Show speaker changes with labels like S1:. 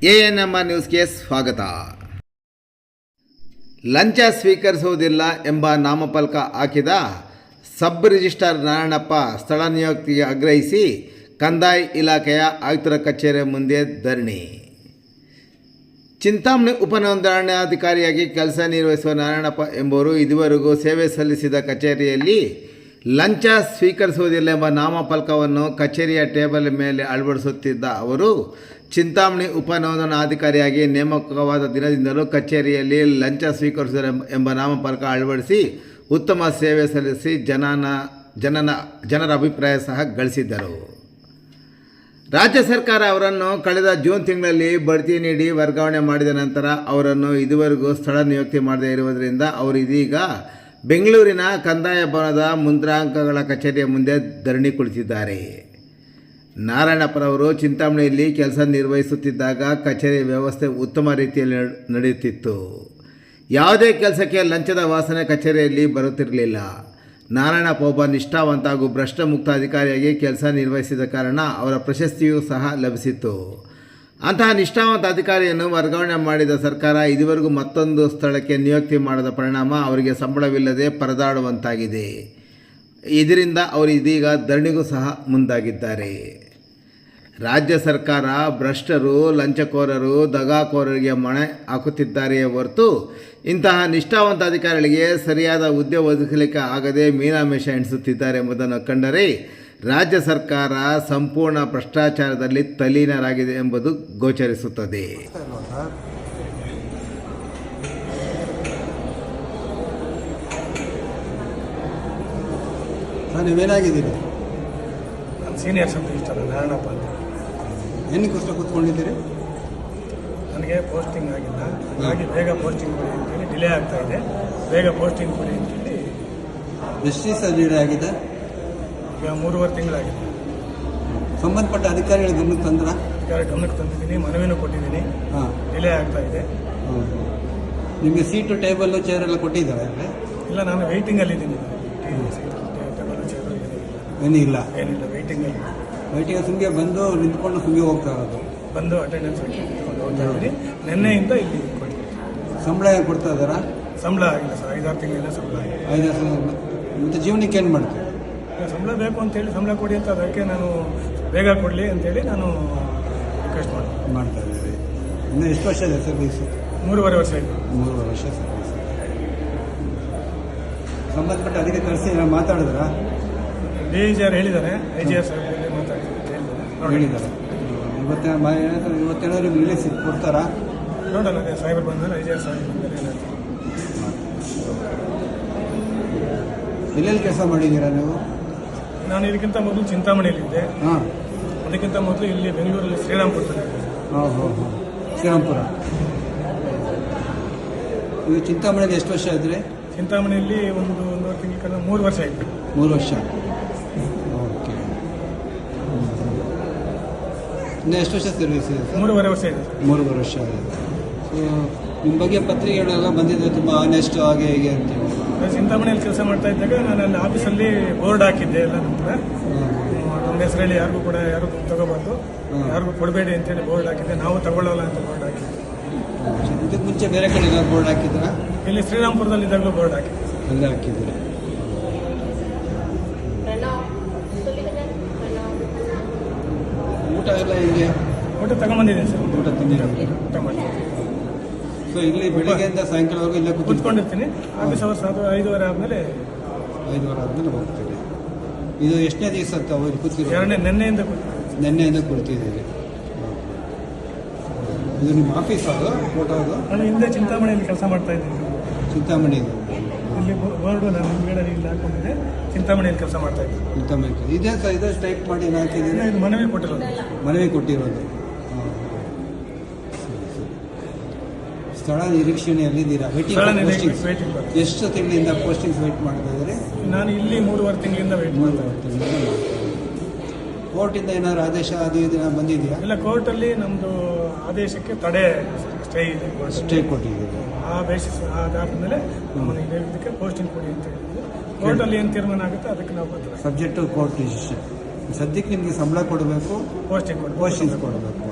S1: ANMR ನ್ಯೂಸ್ಗೆ ಸ್ವಾಗತ. ಲಂಚ ಸ್ವೀಕರಿಸುವುದಿಲ್ಲ ಎಂಬ ನಾಮಫಲಕ ಹಾಕಿದ ಸಬ್ ರಿಜಿಸ್ಟ್ರಾರ್ ನಾರಾಯಣಪ್ಪ ಸ್ಥಳ ನಿಯುಕ್ತಿಗೆ ಆಗ್ರಹಿಸಿ ಕಂದಾಯ ಇಲಾಖೆಯ ಆಯುಕ್ತರ ಕಚೇರಿ ಮುಂದೆ ಧರಣಿ. ಚಿಂತಾಮಣಿ ಉಪನೋಂದಣಾಧಿಕಾರಿಯಾಗಿ ಕೆಲಸ ನಿರ್ವಹಿಸುವ ನಾರಾಯಣಪ್ಪ ಎಂಬುವರು ಇದುವರೆಗೂ ಸೇವೆ ಸಲ್ಲಿಸಿದ ಕಚೇರಿಯಲ್ಲಿ ಲಂಚ ಸ್ವೀಕರಿಸುವುದಿಲ್ಲ ಎಂಬ ನಾಮಫಲಕವನ್ನು ಕಚೇರಿಯ ಟೇಬಲ್ ಮೇಲೆ ಅಳವಡಿಸುತ್ತಿದ್ದ ಅವರು ಚಿಂತಾಮಣಿ ಉಪನೋಂದಣಾಧಿಕಾರಿಯಾಗಿ ನೇಮಕವಾದ ದಿನದಿಂದಲೂ ಕಚೇರಿಯಲ್ಲಿ ಲಂಚ ಸ್ವೀಕರಿಸುವ ಎಂಬ ನಾಮಫಲಕ ಅಳವಡಿಸಿ ಉತ್ತಮ ಸೇವೆ ಸಲ್ಲಿಸಿ ಜನರ ಅಭಿಪ್ರಾಯ ಸಹ ಗಳಿಸಿದ್ದರು. ರಾಜ್ಯ ಸರ್ಕಾರ ಅವರನ್ನು ಕಳೆದ ಜೂನ್ ತಿಂಗಳಲ್ಲಿ ಬಡ್ತಿ ನೀಡಿ ವರ್ಗಾವಣೆ ಮಾಡಿದ ನಂತರ ಅವರನ್ನು ಇದುವರೆಗೂ ಸ್ಥಳ ನಿಯುಕ್ತಿ ಮಾಡದೇ ಇರುವುದರಿಂದ ಅವರು ಇದೀಗ ಬೆಂಗಳೂರಿನ ಕಂದಾಯ ಭವನದ ಮುಂದ್ರಾಂಕಗಳ ಕಚೇರಿಯ ಮುಂದೆ ಧರಣಿ ಕುಳಿತಿದ್ದಾರೆ. ನಾರಾಯಣಪ್ಪರವರು ಚಿಂತಾಮಣಿಯಲ್ಲಿ ಕೆಲಸ ನಿರ್ವಹಿಸುತ್ತಿದ್ದಾಗ ಕಚೇರಿ ವ್ಯವಸ್ಥೆ ಉತ್ತಮ ರೀತಿಯಲ್ಲಿ ನಡೆಯುತ್ತಿತ್ತು. ಯಾವುದೇ ಕೆಲಸಕ್ಕೆ ಲಂಚದ ವಾಸನೆ ಕಚೇರಿಯಲ್ಲಿ ಬರುತ್ತಿರಲಿಲ್ಲ. ನಾರಾಯಣಪ್ಪ ಒಬ್ಬ ನಿಷ್ಠಾವಂತ ಹಾಗೂ ಭ್ರಷ್ಟ ಮುಕ್ತ ಅಧಿಕಾರಿಯಾಗಿ ಕೆಲಸ ನಿರ್ವಹಿಸಿದ ಕಾರಣ ಅವರ ಪ್ರಶಸ್ತಿಯೂ ಸಹ ಲಭಿಸಿತ್ತು. ಅಂತಹ ನಿಷ್ಠಾವಂತ ಅಧಿಕಾರಿಯನ್ನು ವರ್ಗಾವಣೆ ಮಾಡಿದ ಸರ್ಕಾರ ಇದುವರೆಗೂ ಮತ್ತೊಂದು ಸ್ಥಳಕ್ಕೆ ನಿಯುಕ್ತಿ ಮಾಡದ ಪರಿಣಾಮ ಅವರಿಗೆ ಸಂಬಳವಿಲ್ಲದೆ ಪರದಾಡುವಂತಾಗಿದೆ. ಇದರಿಂದ ಅವರು ಇದೀಗ ಧರಣಿಗೂ ಸಹ ಮುಂದಾಗಿದ್ದಾರೆ. ರಾಜ್ಯ ಸರ್ಕಾರ ಭ್ರಷ್ಟರು, ಲಂಚಕೋರರು, ದಗಾಕೋರರಿಗೆ ಮಣೆ ಹಾಕುತ್ತಿದ್ದಾರೆಯೇ ಹೊರತು ಇಂತಹ ನಿಷ್ಠಾವಂತ ಅಧಿಕಾರಿಗಳಿಗೆ ಸರಿಯಾದ ಹುದ್ದೆ ಒದಗಿಸಲಿಕ್ಕೆ ಆಗದೆ ಮೀನಾಮೇಷ ಎಣಿಸುತ್ತಿದ್ದಾರೆ ಎಂಬುದನ್ನು ಕಂಡರೆ ರಾಜ್ಯ ಸರ್ಕಾರ ಸಂಪೂರ್ಣ ಭ್ರಷ್ಟಾಚಾರದಲ್ಲಿ ತಲ್ಲೀನರಾಗಿದೆ ಎಂಬುದು ಗೋಚರಿಸುತ್ತದೆ.
S2: ನೀವೇನಾಗಿದ್ದೀರಿ?
S3: ನಾನು ಸೀನಿಯರ್ ಸಬ್ ರಿಜಿಸ್ಟ್ರಾರ್ ನಾರಾಯಣಪ್ಪ ಅಂತ.
S2: ಏನಕ್ಕೋಸ್ಕರ ಕೂತ್ಕೊಂಡಿದ್ದೀರಿ?
S3: ನನಗೆ ಪೋಸ್ಟಿಂಗ್ ಆಗಿಲ್ಲ, ಹಾಗಾಗಿ ಬೇಗ ಪೋಸ್ಟಿಂಗ್ ಕೊಡಿ ಅಂತೇಳಿ ಡಿಲೇ ಆಗ್ತಾ ಇದೆ. ಬೇಗ ಪೋಸ್ಟಿಂಗ್ ಕೊಡಿ ಅಂತೇಳಿ.
S2: ಎಷ್ಟು ದಿವಸ ಡಿಲೇ ಆಗಿದೆ?
S3: ಈಗ 3.5 ತಿಂಗಳಾಗಿದೆ.
S2: ಸಂಬಂಧಪಟ್ಟ ಅಧಿಕಾರಿಗಳ ಗಮನಕ್ಕೆ
S3: ಗಮನಕ್ಕೆ ತಂದಿದ್ದೀನಿ, ಮನವಿನೂ ಕೊಟ್ಟಿದ್ದೀನಿ. ಡಿಲೇ ಆಗ್ತಾ ಇದೆ.
S2: ನಿಮಗೆ ಸೀಟು, ಟೇಬಲ್, ಚೇರ್ ಎಲ್ಲ ಕೊಟ್ಟಿದ್ದಾರೆ?
S3: ಇಲ್ಲ, ನಾನು ವೆಯ್ಟಿಂಗಲ್ಲಿದ್ದೀನಿ.
S2: ಏನಿಲ್ಲ,
S3: ವೆಯ್ಟಿಂಗಲ್ಲಿ
S2: ಸುಮ್ಗೆ ಬಂದು ನಿಂತ್ಕೊಂಡು ಸುಮ್ಗೆ ಹೋಗ್ತಾ ಇರೋದು.
S3: ಬಂದು ಅಟೆಂಡೆನ್ಸ್ ಹೋಗ್ತಾ ಇದ್ದೀನಿ. ನಿನ್ನೆಯಿಂದ ಇಲ್ಲಿ ಕೊಡಿ.
S2: ಸಂಬಳ ಕೊಡ್ತಾ ಇದ್ದಾರಾ?
S3: ಸಂಬಳ ಆಗಿಲ್ಲ ಸರ್, 5-6 ತಿಂಗಳಿಂದ ಸಂಬಳ ಆಗಿಲ್ಲ.
S2: 5-6 ತಿಂಗಳು. ಮತ್ತು ಜೀವನಕ್ಕೆ ಏನು ಮಾಡ್ತೀವಿ?
S3: ಸಂಬಳ ಬೇಕು ಅಂತೇಳಿ ಸಂಬಳ ಕೊಡಿ ಅಂತ, ಅದಕ್ಕೆ ನಾನು ಬೇಗ ಕೊಡಲಿ ಅಂತೇಳಿ ನಾನು ರಿಕ್ವೆಸ್ಟ್
S2: ಮಾಡ್ತಾ ಇದ್ದೀವಿ. ಇನ್ನು ಎಷ್ಟು ವರ್ಷ ಇದೆ ಸರ್ವೀಸು?
S3: 3.5 ವರ್ಷ ಇದೆ.
S2: 3.5 ವರ್ಷ ಸರ್ವೀಸ್. ಸಂಬಂಧಪಟ್ಟ ಅದಕ್ಕೆ ಕಳಿಸಿ ಮಾತಾಡಿದ್ರಾ?
S3: DIGR ಹೇಳಿದ್ದಾರೆ, IGR ಸರ್
S2: ಹೇಳಿದ್ದಾರೆ. ಇವತ್ತೇನಾದ್ರು ರಿಲೀಸ್ ಕೊಡ್ತಾರಾ?
S3: ನೋಡೋಣ, ಸಾಹೇಬರು ಬಂದರೆ IGR ಸಾಹೇಬ್
S2: ಎಲ್ಲೆಲ್ಲಿ ಕೆಲಸ ಮಾಡಿದ್ದೀರಾ ನೀವು?
S3: ನಾನು ಇದಕ್ಕಿಂತ ಮೊದಲು ಚಿಂತಾಮಣಿಯಲ್ಲಿದ್ದೆ. ಅದಕ್ಕಿಂತ ಮೊದಲು ಇಲ್ಲಿ ಬೆಂಗಳೂರಲ್ಲಿ ಶ್ರೀರಾಮ್ಪುರದಲ್ಲಿ.
S2: ಶ್ರೀರಾಮ್ಪುರ. ನೀವು ಚಿಂತಾಮಣಿಯಲ್ಲಿ ಎಷ್ಟು ವರ್ಷ ಇದ್ರಿ?
S3: ಚಿಂತಾಮಣಿಯಲ್ಲಿ ಒಂದೂವರೆ ತಿಂಗಳ 3 ವರ್ಷ ಆಯಿತು.
S2: 3 ವರ್ಷ. ಓಕೆ. ಇನ್ನು ಎಷ್ಟು ವರ್ಷ ಸರ್ವಿಸ್ ಇದೆ?
S3: 3.5 ವರ್ಷ ಇದೆ.
S2: 3.5 ವರ್ಷ ಇದೆ. ಸೊ ನಿಮ್ಮ ಬಗ್ಗೆ ಪತ್ರಿಕೆಗಳೆಲ್ಲ ಬಂದಿದೆ, ತುಂಬ ಆನೆಸ್ಟ್ ಹಾಗೆ ಹೀಗೆ ಅಂತೇಳಿ.
S3: ಚಿಂತಾಮಣಿಯಲ್ಲಿ ಕೆಲಸ ಮಾಡ್ತಾ ಇದ್ದಾಗ ನಾನು ಅಲ್ಲಿ ಆಫೀಸಲ್ಲಿ ಬೋರ್ಡ್ ಹಾಕಿದ್ದೆ ಎಲ್ಲ. ನಮ್ಮ ಹೆಸರಲ್ಲಿ ಯಾರಿಗೂ ಕೂಡ ಯಾರು ತಗೋಬಾರ್ದು, ಯಾರಿಗೂ ಕೊಡಬೇಡಿ ಅಂತೇಳಿ ಬೋರ್ಡ್ ಹಾಕಿದ್ದೆ. ನಾವು ತಗೊಳ್ಳಲ್ಲ ಅಂತ ಬೋರ್ಡ್ ಹಾಕಿದ್ದೆ.
S2: ಇದಕ್ಕೆ ಮುಂಚೆ ಬೇರೆ ಕಡೆ ಬೋರ್ಡ್ ಹಾಕಿದ್ರಾ?
S3: ಇಲ್ಲಿ ಶ್ರೀರಾಮ್ಪುರದಲ್ಲಿ ಇದ್ದಾಗಲೂ ಬೋರ್ಡ್ ಹಾಕಿದ್ದೆ.
S2: ಅಲ್ಲೇ ಹಾಕಿದ್ದೀರಿ. ಊಟ ಎಲ್ಲ ಹಿಂಗೆ?
S3: ಊಟ ತಗೊಂಬಂದಿದ್ದೀನಿ ಸರ್.
S2: ಊಟ ತಿಂದಿದ್ದೀರಿ?
S3: ಊಟ ಮಾಡಿ.
S2: ಸೊ ಇಲ್ಲಿ ಬೆಳಿಗ್ಗೆಯಿಂದ ಸಾಯಂಕಾಲವರೆಗೂ ಇಲ್ಲೇ
S3: ಕೂತ್ಕೊಂಡಿರ್ತೀನಿ. ಆಫೀಸ್ ಅವರ್ಸ್ 5:30 ಆದಮೇಲೆ
S2: 5:30 ಆದಮೇಲೆ ಹೋಗ್ತೀರಿ. ಇದು ಎಷ್ಟನೇ ದಿವಸ ಅಂತ ಹೋಗಿ ಕೂತಿರಿ?
S3: ನೆನ್ನೆಯಿಂದ
S2: ಕೂರ್ತಿದ್ದೀರಿ. ಇದು ನಿಮ್ಮ ಆಫೀಸ್? ಅದು ಫೋಟೋ? ಅದು
S3: ನಾನು ಹಿಂದೆ ಚಿಂತಾಮಣಿಯಲ್ಲಿ ಕೆಲಸ ಮಾಡ್ತಾ ಇದ್ದೀನಿ.
S2: ಚಿಂತಾಮಣಿ
S3: ಇಲ್ಲಿ ಬೋರ್ಡು ನಾನು ಹಿಂದ್ಗಡೆ ಇಲ್ಲಿ ಹಾಕೊಂಡಿದ್ದೆ. ಚಿಂತಾಮಣಿಯಲ್ಲಿ ಕೆಲಸ ಮಾಡ್ತಾ ಇದ್ದೀನಿ.
S2: ಚಿಂತಾಮಣಿ ಇದೇ ಸರ್, ಇದು ಟೈಪ್ ಮಾಡಿ ಹಾಕಿದ್ದೀನಿ.
S3: ಇದು ಮನವಿ ಕೊಟ್ಟಿರೋದು.
S2: ಮನವಿ ಕೊಟ್ಟಿರೋದು. ಸ್ಥಳ ನಿರೀಕ್ಷಣೆಯಲ್ಲಿದ್ದೀರಾ? ಎಷ್ಟು ತಿಂಗಳಿಂದ ಪೋಸ್ಟಿಂಗ್ಸ್ ವೆಯ್ಟ್ ಮಾಡ್ತಾ ಇದ್ದೀರಿ?
S3: ನಾನು ಇಲ್ಲಿ 3.5 ತಿಂಗಳಿಂದ ವೆಯ್ಟ್ ಮಾಡ್ತಾ ಇದ್ದೀನಿ.
S2: ಕೋರ್ಟಿಂದ ಏನಾದ್ರು ಆದೇಶ ಅದು ಇದು ಬಂದಿದೆಯಾ?
S3: ಇಲ್ಲ, ಕೋರ್ಟಲ್ಲಿ ನಮ್ಮದು ಆದೇಶಕ್ಕೆ ತಡೆ ಸ್ಟೇ
S2: ಕೊಟ್ಟಿದ್ದೀರಿ.
S3: ಆ ಬೇಸಿಸ್ ಅದಾದಮೇಲೆ ನಮ್ಮನ್ನು ಇದಕ್ಕೆ ಪೋಸ್ಟಿಂಗ್ ಕೊಡಿ ಅಂತ ಹೇಳಿದ್ರು. ಕೋರ್ಟಲ್ಲಿ ಏನು ತೀರ್ಮಾನ ಆಗುತ್ತೆ ಅದಕ್ಕೆ ನಾವು ಬರ್ತೀವಿ.
S2: Subject to court decision. ಸದ್ಯಕ್ಕೆ ನಿಮಗೆ ಸಂಬಳ ಕೊಡಬೇಕು, ಪೋಸ್ಟಿಂಗ್ ಕೊಡಬೇಕು.